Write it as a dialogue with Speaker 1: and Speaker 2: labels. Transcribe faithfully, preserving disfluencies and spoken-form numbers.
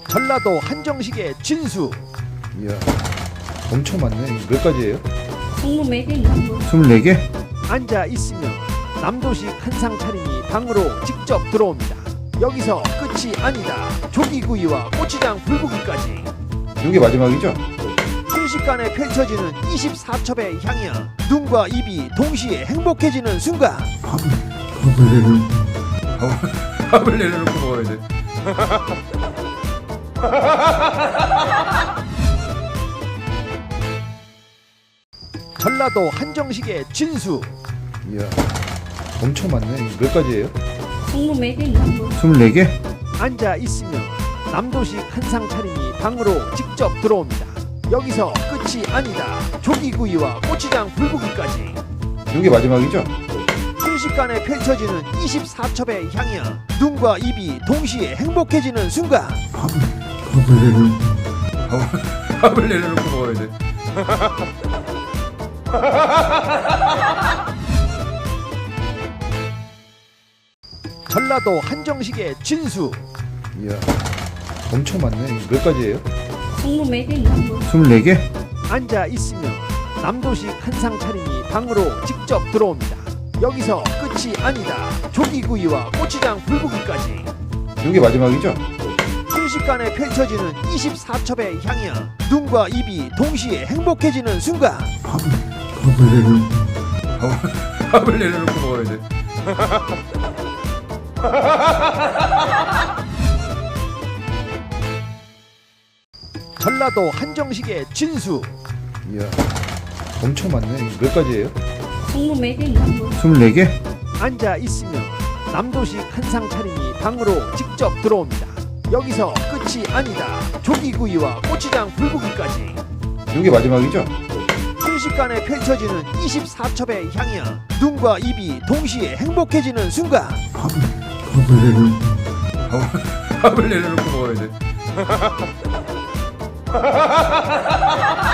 Speaker 1: 전라도 한정식의 진수.
Speaker 2: 이야, 엄청 많네. 몇 가지예요?
Speaker 3: 스물네 개인가?
Speaker 2: 스물네 개?
Speaker 1: 앉아 있으면 남도식 한상 차림이 방으로 직접 들어옵니다. 여기서 끝이 아니다. 조기구이와 고추장 불고기까지
Speaker 2: 이게 마지막이죠?
Speaker 1: 순식간에 펼쳐지는 이십사 첩의 향연. 눈과 입이 동시에 행복해지는 순간.
Speaker 2: 밥을, 밥을 내려놓고 밥을 내려놓고 먹어야 돼.
Speaker 1: 전라도 한정식의 진수.
Speaker 2: 이야, 엄청 많네. 몇 가지예요?
Speaker 3: 스물네 개인가?
Speaker 2: 스물네 개?
Speaker 1: 앉아 있으면 남도식 한상 차림이 방으로 직접 들어옵니다. 여기서 끝이 아니다. 조기구이와 고추장 불고기까지
Speaker 2: 이게 마지막이죠?
Speaker 1: 순식간에 펼쳐지는 이십사 첩의 향연. 눈과 입이 동시에 행복해지는 순간.
Speaker 2: 밥을, 밥을 내려놓고 밥을, 밥을 내려놓고 먹어야 돼.
Speaker 1: 전라도 한정식의 진수.
Speaker 2: 이야, 엄청 많네. 몇 가지예요?
Speaker 3: 스물네 개인가?
Speaker 2: 스물네 개?
Speaker 1: 앉아 있으면 남도식 한상 차림이 방으로 직접 들어옵니다. 여기서 끝이 아니다. 조기구이와 고추장 불고기까지
Speaker 2: 이게 마지막이죠?
Speaker 1: 순식간에 펼쳐지는 이십사 첩의 향연. 눈과 입이 동시에 행복해지는 순간.
Speaker 2: 밥을, 밥을 내려놓고 밥을, 밥을 내려놓고 먹어야 돼.
Speaker 1: 전라도 한정식의 진수.
Speaker 2: 이야, 엄청 많네. 몇 가지예요?
Speaker 3: 스물네 개인가?
Speaker 2: 스물네 개?
Speaker 1: 앉아 있으면 남도식 한상 차림이 방으로 직접 들어옵니다. 여기서 끝이 아니다. 조기구이와 고추장 불고기까지
Speaker 2: 이게 마지막이죠?
Speaker 1: 순식간에 펼쳐지는 이십사 첩의 향연. 눈과 입이 동시에 행복해지는 순간.
Speaker 2: 밥을, 밥을 내려놓고 밥을, 밥을 내려놓고 먹어야 돼.